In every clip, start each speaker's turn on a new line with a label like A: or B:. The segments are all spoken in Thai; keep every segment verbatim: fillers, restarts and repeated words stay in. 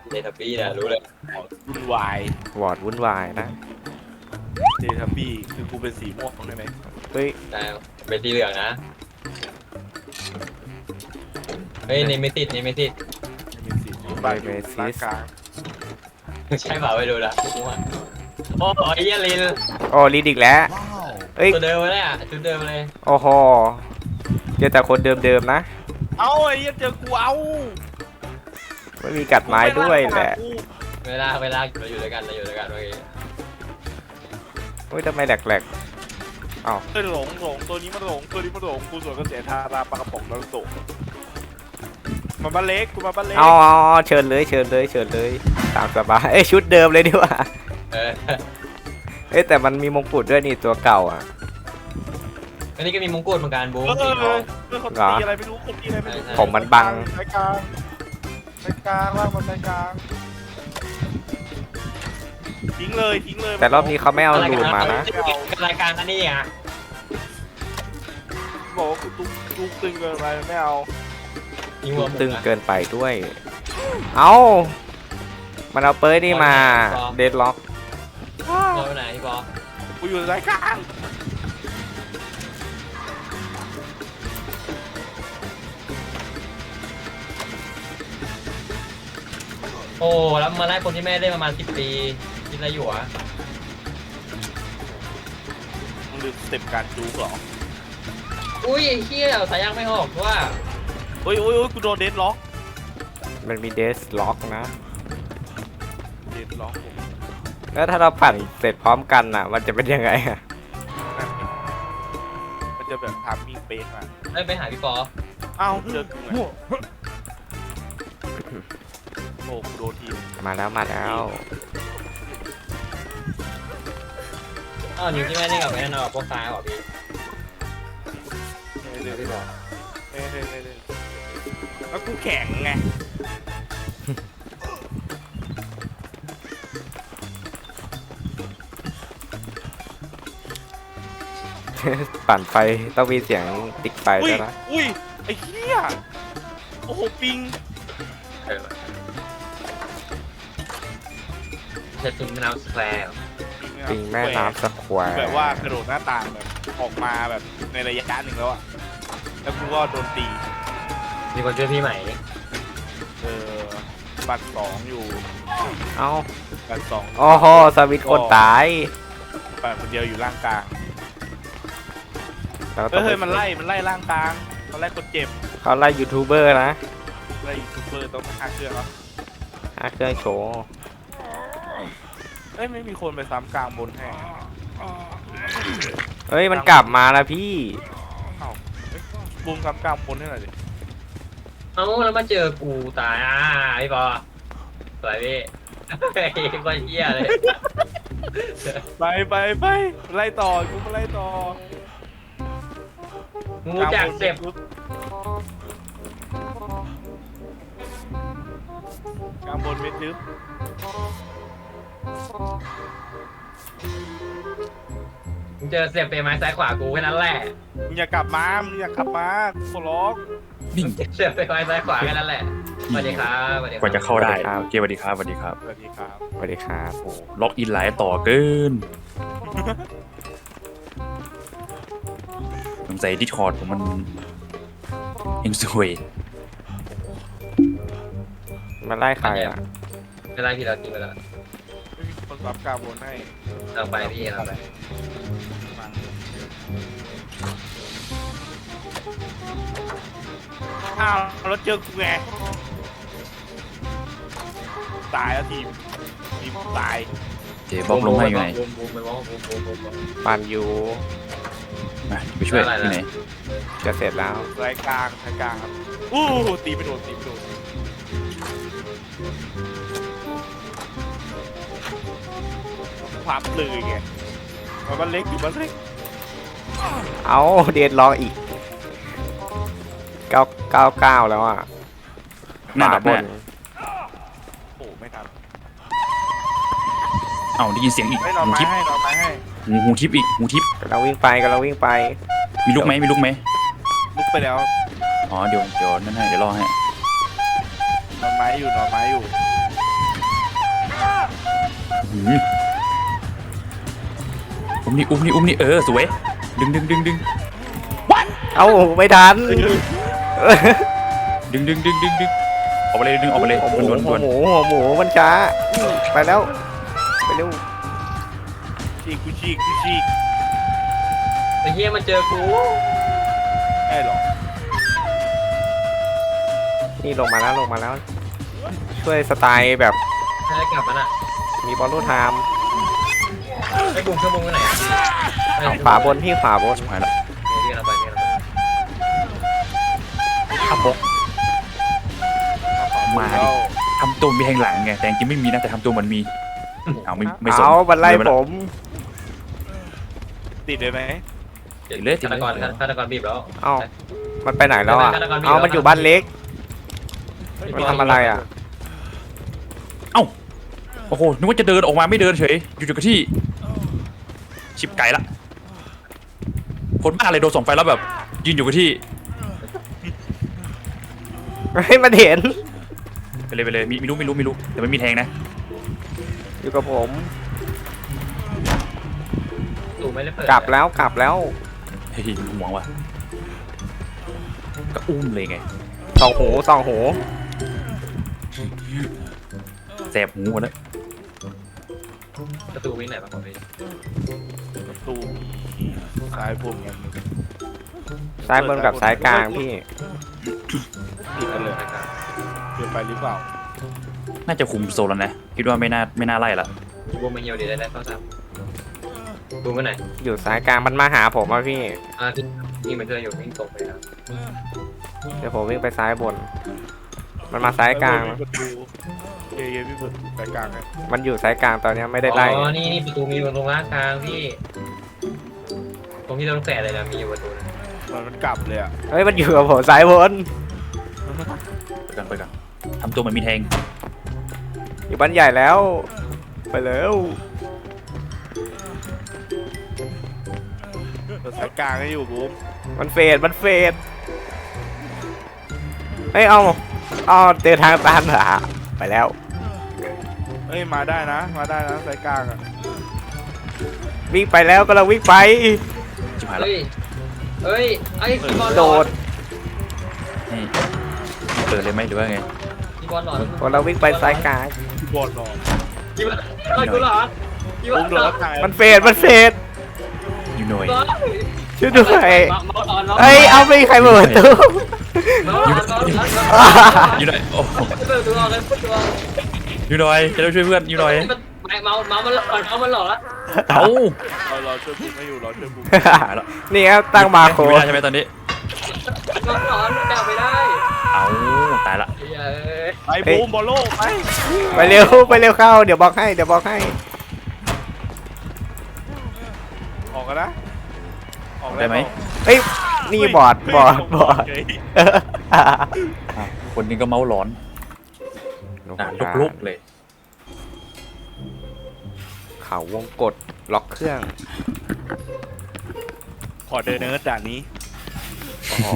A: เดทับบี้นะรู้เลย
B: วุ่นวายว
C: อร์ดวุ่นวายนะ
B: เจทับบี้คือกูเป็นสีม่วงใช่ไหม
C: เฮ้ย
A: แต่เป็นสีเหลืองนะเฮ้ยนี่ไม่ติดนี่ไม่ติด
B: ไม่เป็นสีบ้านอยู่กลางกลาง
A: ใช่เปล่าไม่รู้ละมั่วโอ้โหไอ้เหี้ยลิน
C: โอ้ลีดอีกแล้วเอ้ย
A: ตัวเดิมเลยอ่ะชุดเดิมเลย
C: โอ้โหเจอแต่คนเดิมๆนะ
B: เอาไอ้เหี้ยเจอกูเอา
C: ไม่มีกัดไม้ด้วยแหละ
A: เวลาเวลาเราอยู่ด้วยกันเราอยู่ด้วยกันเมื่อกี้
C: เฮ้ยทำไมแหลกๆอ้าว
B: เฮ้ยหลงหลงตัวนี้มันหลงตัวนี้มันหลงกูสวนกระแสทาราปลากระป๋องแล้วตกมาบ้านเล็กกูมาบ้านเล็ก
C: เอาเอาเอาเชิญเลยเชิญเลยเชิญเลยตามสบายเอ้ยชุดเดิมเลยดีกว่า
A: เออ
C: เอ้ยแต่มันมีมงกุฎด้วยนี่ตัวเก่าอ่ะ
A: อันนี้ก็มีมงกุฎเหมือนกันบูม
B: เออ
A: สีท
B: เล
A: อง
B: ยเออคนตีอะไรไม่รู้คนตีอะไรไม่รู้
C: ผมมันบัง
B: สายกลางสายกลางล่างมาสายกลางทิ้งเลยทิ้งเลย
C: แต่รอบนี้เขาไม่เอาลูนมานะ
A: รายการอันนี้อ่ะ
B: บอกว่ากูตุ้งตุ้งตึงเกินไปไม่เอา
A: ยิงหัว
C: ตึงเกินไปด้วย เอามันเอาเปิร์นี่มาเดดล็อก
A: เราไปไหนพี่บอ
B: กูอยู่สายกลาง
A: โอ้แล้วมาไล่คนที่แม่ได้ประมาณสิบปีคิดอะไรอยู่อ่ะ
B: มึงลืมสเต็ปการจู๊กเหรอ
A: อุ้ยไอ้เหี้ยสายยังไม่ออกว่า
B: โอ้ยโอ้ยโอ้ยกูโดนเดดล็อก
C: มันมีเดสล็อกนะ
B: เดดล็อกผม
C: แล้วถ้าเราปั่นเสร็จพร้อมกันอ่ะ มันจะเป็นยังไงอะ
B: นั่นไงมันจะแบบทามมิ่งเป๊ะมา
A: เอ้ยไปหาพี่ปอ
B: อ้าวเจอกูไงโอ้กูโดนทีม
C: มาแล้วมาแล้ว
A: อ้าวนิวที่แม่ได้กับแม่นอนกับพวกซ้ายเหรอพี่
B: เรื่อยๆเรื่อยๆเรื่อยๆเรื่อยๆแล้วกูแข็งไง
C: ปั่นไฟต้องมีเสียงติ๊กไฟ
B: อุ้ย
C: ด้วยนะ
B: อุ้ยไอ้เหี้ยโอ้โหปิง
A: เออจะจุ่มน้ำสแควร์
C: ปิงแม่น้ำสแควร์
B: แบบว่ากระโดดหน้าต่างแบบออกมาแบบในระยะหนึ่งแล้วอะแล้วกูก็โดนตี
A: มีคนช่วยพี่ใหม่
B: เออบัตรสองอยู่
C: เอ้า
B: บัตรสอง
C: โอ้โหสวิตช์คนตาย
B: บัตรคนเดียวอยู่ล่างกลาง
C: แล้ว
B: เฮ้ยเฮ้ยมันไล่มันไล่ล่างกลางมันไล่คนเจ็บ
C: เขาไล่ยูทูบเบอร์นะ
B: ไล่ยูทูบเบอร์ต้องฆ่าเครื่องแล้ว
C: หาเครื่องโชว์
B: เอ้ยไม่มีคนไปซ้ำกลางบนแห่
C: เฮ้ยมันกลับมาแล้วพี่
B: เอ้าเอ้ยบูมซ้ำกลางบนให้หน่อยดิ
A: เอ้าแล้วมาเจอกูตายอ่ะพี่ปอสวยพี่ไอ้คนเหี้ยเลย
B: ไปไปไปไล่ต่อกูมาไล่ต่อ
A: งูจากเสพ
B: กลางบนเม็ดทึบ
A: มึงเจอเสียบเปรย์ไม้ซ้ายขวากูแค่นั้นแหละ
B: มึงอย่ากลับมามึงอย่ากลับมากูขอร้อง
D: นิ่ง
A: เสียบเปรย์ไม้ซ้ายขวาแค่นั้นแหละสวัสดีครับสวัสดีค
D: ก
A: รับ
D: ว่าจะเข้าได้โอเคสวัสดีครับสวัสดีครับ
B: สวัสดีครับ
C: สวัสดีครับ
D: โอ้ล็อกอินหลายต่อเกินสงสัยดิสคอร์ดผมมันเองสวย
C: มันไล่ใครอ่ะ
A: เวลาที่เราทิ้งไปแล้ว
B: ไม่มีคนซ้ำกลางบนให้
A: เราไปพี่เราไป
B: อ้าวแล้วเจอกูไงตายแล้วทีมทีมตาย
D: เจ๊บอกลงให้อยู่ไหน
A: บูมบูมไปมองบูมบูมบูมบูม
C: ปั่นอยู่
D: มาไปช่วยที่ไหน
C: จะเสร็จแล้ว
B: รายกลางรายกลางครับอู้ตีไปโดนตีไปโดนพับเลยไงมาบ้านเล็กอยู่บ้านเล็ก
C: เอาเดดล็อกอีกเก้าเก้าเก้าแล้วอ่ะ
D: หน้าดับห
C: บ
D: น้าน
B: โอ้ไม่ทัน
D: เอ้าได้ยินเสียงอีก
B: ไม่นอน
D: หู
B: ไม้
D: ทิพย์
B: ให้นอนไม้ให้
D: หูหูทิพย์อีกหูทิพย์
C: กำลังวิ่งไปกำลังวิ่งไป
D: มีลูกไหมมีลูกไหม
B: ลุกไปแล้ว
D: อ๋อเดี๋ยวเดี๋ยวนั่นให้เดี๋ยวรอให้
B: นอนไม้อยู่นอนไม้อยู่
D: หืมอุ้มนี่อุ้มนี่อุ้มนี่เออสวยดึงดึงดึงดึง
C: เอ้าไม่ทัน
D: ดึงดึงดึงดึงดึงออกไปเลยดึงออกไปเลย
C: หัวหมู
D: ด่วนด่วน
C: หั
D: ด่
C: ว
D: วน
C: หมูหัวหมูมันช้าไปแล้วไปเร็ว
B: ฉีกกูฉีกกูฉีก
A: ไอ้เหี้ยมันเจอกู
B: ไอ้หรอ
C: นี่ลงมาแล้วลงมาแล้ว ช่วยสไตล์แบบ
A: ให้กลับมันอ่ะ
C: มีบอลลูนไทม์
A: ไอ้บุ้งเครื่องบุ้งไปไหนอะไปไหน
C: ขวาบนพี่ขวาบน
D: ชิบหายละ
A: เรียกเราไปเรียกเราไป
D: ขับบกมาดิทำตัวมีแทงหลังไงแต่จริงๆไม่มีนะแต่ทำตัวเหมันมีเอาไม่ไม่สน
C: เอาบันไล่ผม
B: ติดเลยไหม
A: ฆาตกรฆาตกรบีบแล้ว
C: เอ้ามันไปไหนแล้วอ่ะ
A: ฆาตกรมี
C: เอา
A: แล้ว
C: มันอยู่บ้านเล็กมันทำอะไรอ่ะ
D: เอ้าโอ้โหนึกว่าจะเดินออกมาไม่เดินเฉยอยู่อยู่กับที่ชิบไก่ละคนบ้าอะไรโดนส่องไฟแล้วแบบยืนอยู่กับที่
C: ให้มันเห็น
D: ไปเลยไปเลยมีไม่รู้ไม่รู้ไม่รู้แต่ไม่มีแทงนะ
C: อยู่กับผม
A: ตู่ไม่ได้เปิด
C: กลับแล้วกลับแล้ว
D: เฮ้ยห่วงว่ะก็อุ้มเลยไง
C: สองหูสองหู
D: แสบหูหมดแล้ว
A: ประตูวิ่งไหนบ้างผมไป
B: ประตูมีซ้ายผมยัง
C: ซ้ายบนกับซ้ายกลางพี่
B: ติดกันเลยเกินไปหรือเปล่า
D: น่าจะคุมโซนแล้วนะคิดว่าไม่น่าไม่น่าไล่ละ
A: บุ้งมาเหี่ยวดีได้ได้เข้าซ้ำบุ้งไปไหน
C: อยู่ซ้ายกลางมันมาหาผมอ่ะพี่
A: อ่าที่นี่มันเจออยู่วิ่งตรงไปแล้ว
C: เดี๋ยวผมวิ่งไปซ้ายบน มันมาซ้ายกลาง
B: ประตูเย้ๆพี่เปิดซ้ายกลางไง
C: มันอยู่ซ้ายกลางตอนเนี้ยไม่ได้ไล่
A: อ๋อนี่นี่ประตูมีอยู่ตรงล่างกลางพี่ตรงที่ต้องแตะเลยนะมีอยู่ประตูนึง
B: มันมันกลับเลยอ่ะ
C: เฮ้ยมันอยู่กับผมซ้ายบน
D: ไปกันไปกันทำตัวเหมันมีแทง
C: อยู่บ้านใหญ่แล้ว ไปแล้ว
B: ซ้ายกลางให้อยู่บูม
C: มันเฟดมันเฟดเฮ้ยเอาเอาเจอทางตันเหรอไปแล้ว
B: เอ้ยมาได้นะมาได้นะซ้ายกลางอ่ะ
C: วิ่งไปแล้วก็เราวิ่งไป
D: ชิบหายละ
A: เฮ้ยเฮ้ยไอ้พี่บอลหล
C: โด
A: อ
C: ด
A: ด
D: ให้เปิดเลยไหมหรือว่าไง
A: พี่บอลหลอด
C: พอเราวิ่งไปซ้ายกลาง
B: พี่บอลรอ
A: พี่บอลไอ้กูหลอดพี่บอ
B: บู
A: ล
B: ม
A: ห
B: โด
A: ล
B: น
A: อ
B: แล้
A: ด
B: วทาง
C: มันเฟดมันเฟด
D: อยู่หน่อย
C: ช่วยด้วย
A: เมาหลอด
C: เฮ้ยเอาไม่มีใครเปิดประตู
A: เมาหลอดเมาหลอด
D: อยู่หน่อยโอ้โห
A: เปิดตัวเลยเปิดตัว
D: อยู่หน่อยจะได้ช่วยเพื่อนอยู่หน่อย
A: เมาเมามันหลอดเมามันหลอด
D: เอ้า
B: เรารอช่วยบูมไม่อยู่รอช่วยบูม
D: หายละ
C: นี่ครับตั้งมาโค
D: อยู่ไม่ได้ใช่ไหมตอนนี้
A: เมาหลอดมันดับไม่ได้
D: เอ้าตายละ
A: เย้ย
B: ไปบูมบอลโลกไป
C: ไปเร็วไปเร็วเข้าเดี๋ยวบอกให้เดี๋ยวบอกให้
B: ออกกันนะออก
D: ได้ไหม
C: เฮ้ยนี่บอดบอดบอด
D: อ่ะคนนี้ก็เมาหลอนอ่ะลุกๆเลย
C: เขาวงกดล็อกเครื่อง
B: ขอเดินเนิร์ดด่านนี้
C: อ๋อ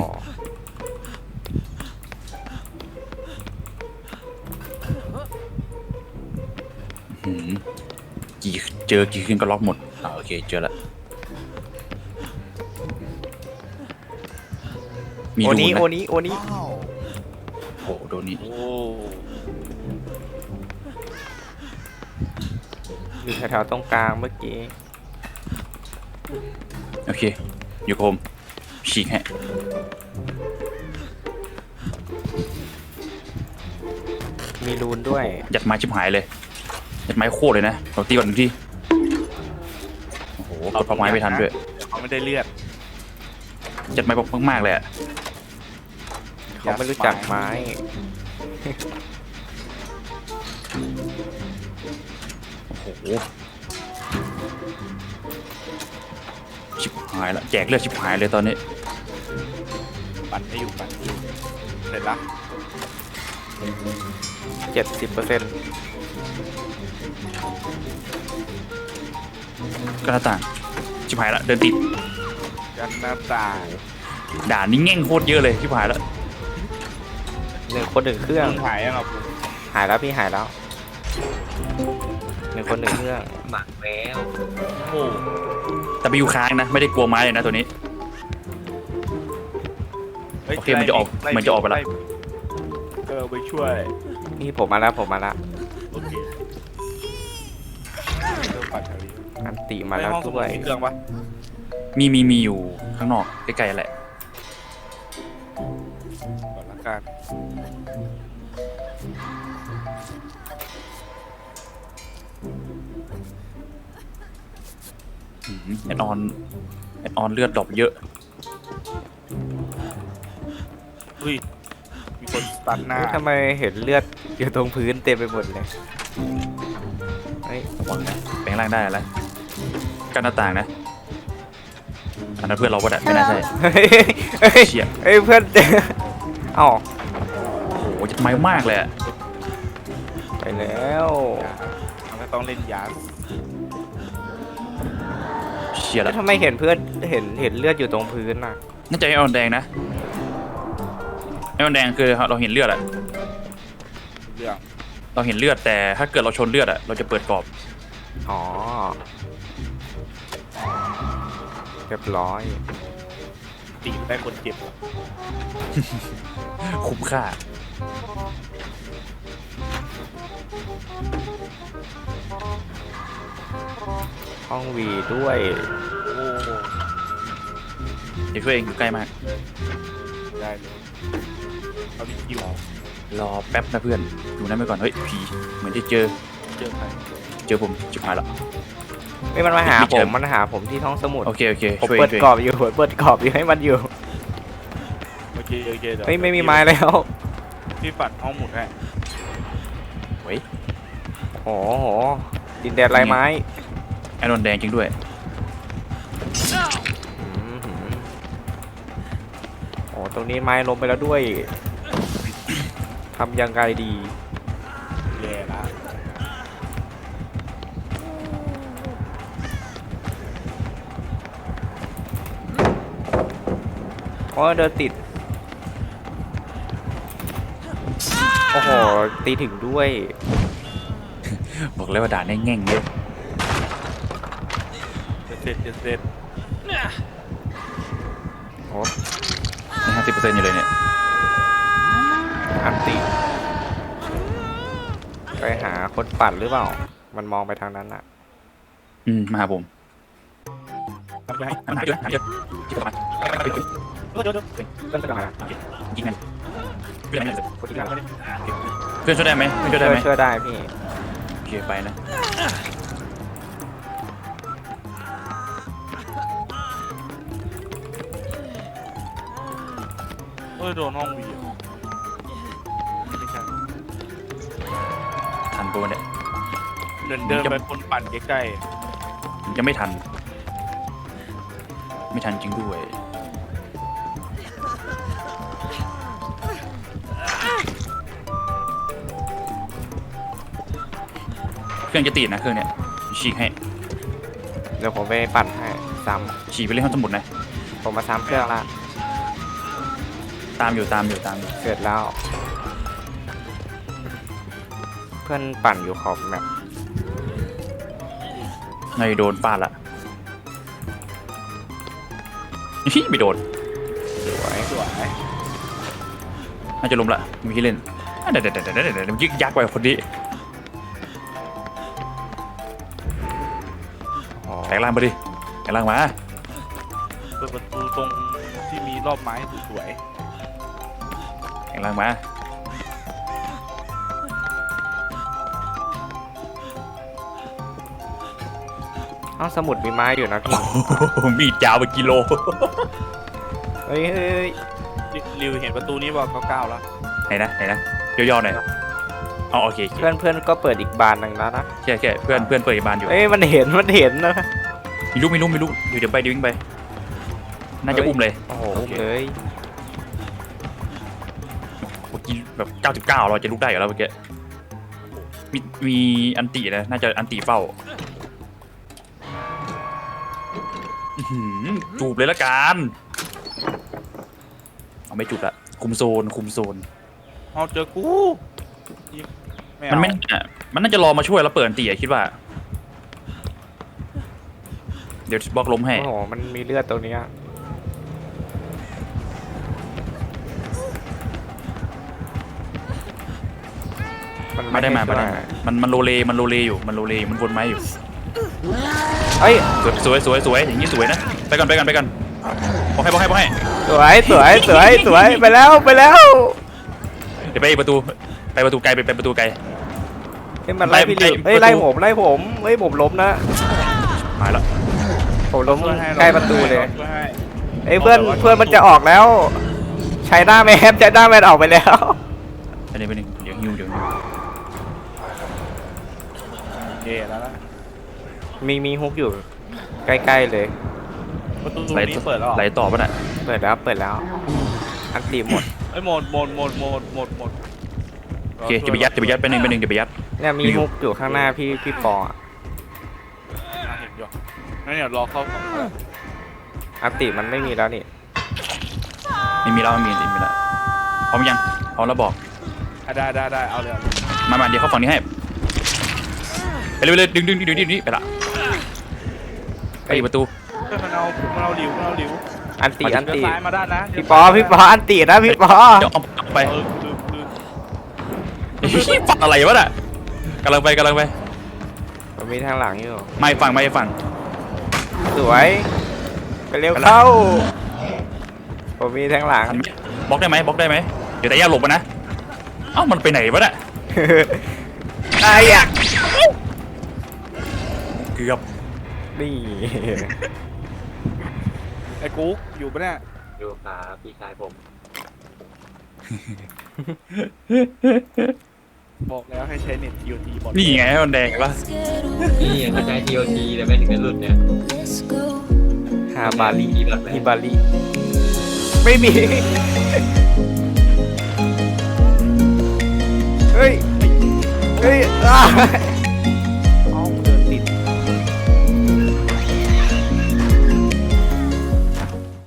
D: หืมกี่เจอกี่คืนก็ล็อกหมดอ่าโอเคเจอละมี
C: โอ
D: ดู
C: นี้
D: ไหม
C: โอนี้โอนี้
D: โอ้โหโดนนี่
B: โอ้
C: อยู่แถวๆตรงกลางเมื่อกี้
D: โอเคอยู่กับผมฉีกฮะ
C: มีรูนด้วย
D: ยัดไม้ชิบหายเลยยัดไม้โคตรเลยนะเราตีก่อนหนึ่งทีโอ้โหกดพักไม้ไม่ทันด้วย
B: เขาไม่ได้เลือด
D: ยัดไม้มากๆเลยอะ
C: เขาไม่รู้จักไม้
D: โอ้โหชิบหายละแจกเลือดชิบหายเลยตอนนี้
B: ปั่นไม่อยู่ปั่นไม่อยู่เสร็จละ
C: เจ็ดสิบเปอร์เซ็นต์
D: ก็หน้าต่างชิบหายละเดินติด
B: กันหน้าต่าง
D: ด่านนี้แง่งโคตรเยอะเลยชิบหายละ
C: หนึ่งคนหนึ่งเครื่อง
B: หายยังอ่ะผม
C: หายแล้วพี่หายแล้วหนึ่งคนหนึ่งเครื่อง
A: หมักแล้ว
B: โอ้
D: แต่ไปอยู่ค้างนะไม่ได้กลัวไม้เลยนะตัวนี้
B: ฮ้ย
D: โอเคมันจะออก
B: ไล่
D: มันจะออกไปละ
B: เออไปช่วย
C: นี่ผมมาแล้วผมมาแล้ว
B: โอเคเริ่มปั่นแถวนี้
C: อันติมาแล้ว
B: ในห้องสมุ
C: ด้วย
B: มีเครื่องปะ
D: มีมีมีอยู่ข้างนอกใกล้ๆแหละ
B: ก่อนละกัน
D: อืมแอดออนแอดออนเลือดดรอปเยอะ
B: เฮ้ยมีคนสตันหน้า
C: เฮ้ยทำไมเห็นเลือดอยู่ตรงพื้นเต็มไปหมดเลยเฮ้ย
D: ระวังนะแปลงร่างได้แล้วกันหน้าต่างนะอันนั้นเพื่อนเราก็ได้ไม่น่าใช่
C: เฮ้ยเฮ้ย
D: เชี่ย
C: เฮ้ยเพื่อน เอ้า
D: โอ้โหจะไม้มากเลยอะ
C: ไปแล้ว
B: มันก็ต้องเล่นยา
D: เชี่ย
C: แล้
D: ละ
C: วทำไมเห็นเพื่อนเห็นเห็นเลือดอยู่ตรงพื้นน่ะ
D: น่าจะไอออนแดงนะไอออนแดงคือเราเห็นเลือดอะ
B: เรื่อง
D: เราเห็นเลือดแต่ถ้าเกิดเราชนเลือดอะเราจะเปิดกรอบ
C: อ๋อเรียบร้อย
B: ตีได้คนเจ็บ
D: คุ้มค่า
C: ห้องวีด้วย
B: โอ้โห
D: เดี๋ยวช่วยเองอยู่ใกล้มาก
B: ได้เลยเอาดิคิว
D: รอแป๊บนะเพื่อนอยู่นั่นไปก่อนเฮ้ยผีเหมือนจะเจอ
B: เจอใคร
D: เจอผมชิบหายละ
C: ไม่มันมาหา
D: ไม่
C: ผ
D: เจอ
C: มมันหาผมที่ท้องสมุทร
D: โอเคโอเค
C: ผม
D: ช่วย
C: เปิด
D: ช่วย
C: กรอบอยู่ผมเปิดกรอบอยู่ให้มันอยู่
B: โอเคโอเคเดี๋ยว
C: เฮ้ยไม่มีไม้แล้ว
B: พี่ปัดห้องหมุนให้
D: เฮ้ย
C: โอ้โหดินแดนลายไม้
D: ไอรอนแดงจริงด้วย
C: อืมหืมโอ้ตรงนี้ไม้ล้มไปแล้วด้วยทำยังไงดี
B: แย่ละ
C: โอ้เดินติด โอ้โห ตีถึงด้วย
D: บอกเลยว่าด่านแง่งๆเยอะ
B: จะเสร็จจะเสร็จ
C: โอ้
D: ห้าสิบเปอร์เซ็นต์อยู่เลยเนี่ย
C: อันติ ไปหาคนปั่นหรือเปล่า มันมองไปทางนั้นอะ
D: อืมมาหาผม
B: ทำไปให้
D: หาเยอะหาเยอะที่ประมาณ
B: เดี๋ยวเดี๋ยว
C: เพื่อนไปหา
D: ยิงกันเพื่อนไม่ได้
C: คนที่หา
D: เพื่อนช่วยได้ไหมเพื่อนช่วย
C: ช่
D: ได้
C: วย
D: ไหม
C: ช่วยได้พี่
D: โอเคไปนะ
B: เออโดนห้องวีอ่ะไม่ใช่
D: ทันตัวเนี่ย
B: เดินเดินไปคนปั่นใกล้
D: ยังไม่ทัน ไม่ทันจริงด้วยเครื่องจะติดนะเครื่องเนี่ยฉีกให้
C: เดี๋ยวผมไปปั่นให้ซ้
D: ฉีกไปเล่นห้องสมุดนะ
C: ำผมมาซ้ำเครื่องละ
D: ตามอยู่ตามอยู่ตามอยู่
C: เสร็จแล้ว เพื่อนปั่นอยู่ขอบแมป
D: นายโดนฟาดละฮิไม่โดน
C: สวย
B: ๆสวย
D: น่าจะล้มละมีที่เล่นอ่ะเดี๋ยวเดี๋ยวเดี๋ยวเดี๋ยวเดี๋ยวยึกยักไปคนนี้
C: อ๋อ
D: แปลงร่างมาดิแปลงร่างมา
B: เปิดประตูตรงที่มีรอบไม้สวย
D: แปลงร่างมา
C: ห้องสมุดมีไม้อยู่นะพี่
D: มีดยาวไปกิโล
C: เฮ้ยเฮ้ย
B: ๆริวเห็นประตูนี้บอกเก้าๆแล้ว
D: ไหนนะไหนนะย่อๆหน่อยอ๋อโอเคโอเค
C: เพื่อนเพื่อนก็เปิดอีกบานหนึ่งแล้วนะ
D: แค่แค่เพื่อนเพื่อนเปิดอีกบานอยู่
C: เอ้ยมันเห็นมันเห็นนะ
D: มีลูกมีลูกมีลูกเดี๋ยวเดี๋ยวไปเดี๋ยววิ่งไป น่าจะอุ้มเลย
C: โอ้โห
D: โอเค
C: เลย
D: เมื่อกี้แบบเก้าสิบเก้าเราจะลุกได้อยู่แล้วเมื่อกี้มีมีอันตินะน่าจะอันติเฝ้าอื้อหือจูบเลยละกันเอาไม่จูบละคุมโซนคุมโซน
B: เอาเจอกู
D: มันไม่น่ามันน่าจะรอมาช่วยแล้วเปิดอันติอะคิดว่า
B: เ
D: เดี๋ยวบล็อกล้มให้
C: โอ้โหมันมีเลือดตรงเนี้ย
D: ไม่ได้มาไม่ได้
C: ให้
D: มามันมันโรเลมันโรเลอยู่มันโรเลอยู่มันวนไม้อยู่
C: เอ้ย
D: สวยสวยสวยอย่างนี้สวยนะไปก่อนไปก่อนไปก่อนบอกให้บอกให้บอกให้
C: สวยสวยสวยสวยไปแล้วไปแล้ว
D: เดี๋ยวไปประตูไปประตูไกลไปไปประตูไกล
C: เฮ้ยมันไล่พี่
D: ไล่
C: ลิวเฮ้ย
D: ประตู
C: ไล่ผมไล่ผมเฮ้ยผมล้มนะ
D: หายแล้ว
C: ผมล้ม
B: ช่วยให้
C: ใกล้ประตูเลย
B: ช่วยให้
C: เอ้ยเพื่อนเพื่อนมันจะออกแล้วใช้หน้าแมนใช้หน้าแมนออกไปแล้ว
D: ไปหนึ่งไปหนึ่งเดี๋ยวฮิวเดี๋ยวฮิว
B: โอเคแล้วนะ
C: มีมีฮุกอยู่ใกล้ๆเลย
B: ประตู
D: ไหล
B: นี้เปิดแล้วเหรอ
D: ไหลต่อป่ะน่ะ
C: เปิดแล้วเปิดแล้วอันตีหมด
B: เอ้ยหมดหมดหมดหมดหมดหมด
D: โอเคจะไปยัดจะไปยัดไปหนึ่งไปหนึ่งเดี๋ยวไปยัด
C: เนี่ยมีฮุกอยู่ข้างหน้าพี่พี่ปออะ
B: อ่ะเห็นอยู่งั้นเดี๋ยวรอเข้าของ
C: อันตีมันไม่มีแล้วนี่
D: ไม่มีแล้วไม่มีไม่มีแล้วพร้อมยังพร้อมแล้วบอก
B: อ่ะได้ได้ได้เอาเลยเอาเลย
D: มามาเดี๋ยวเข้าฝั่งนี้ให้ไปเลยไปเลยดึงดึงดึงดึงดึงดึงไปละไปอีกประตู
B: เฮ้ยมันเอามันเอาหลิวมันเอาหลิว
C: อันตีอัน
B: เดิน
C: ตี
B: ซ้ายมาด้านนะ
C: พี่ปอพี่ปออันตีนะพี่ปอ
D: เดี๋ยวเอาเอาไป
B: เออลืมลืม
D: ฝั่งอะไรวะน่ะกำลังไปกำลังไป
C: มันมีทางหลังอยู่
D: ไม่ฝั่งไม่ฝั่ง
C: สวยไปเร็วเข้าผมมีทางหลัง
D: ทันไหมบล็อกได้ไหมบล็อกได้ไหมเดี๋ยวแต่ย่าหลบมานะเอ้ามันไปไหนวะน่ะ
C: ไอ้อะ
D: เกือบ
C: นี่
B: ไอ้กุ๊กอยู่ปะเนี่ย
A: ดูครับพี่ชายผม
B: บอกแล้วให้ใช้เน็ต ที โอ ที หมด
D: นี่ไงมันแดงปะ
A: นี่ยังเขาใช้ ที โอ ที แต่ไม่ถึงกับหลุดเนี่ย
C: ฮาบาลี
A: มีแบบไหน
C: ฮิบาลีไม่มีเฮ้ยเฮ้ยอ้า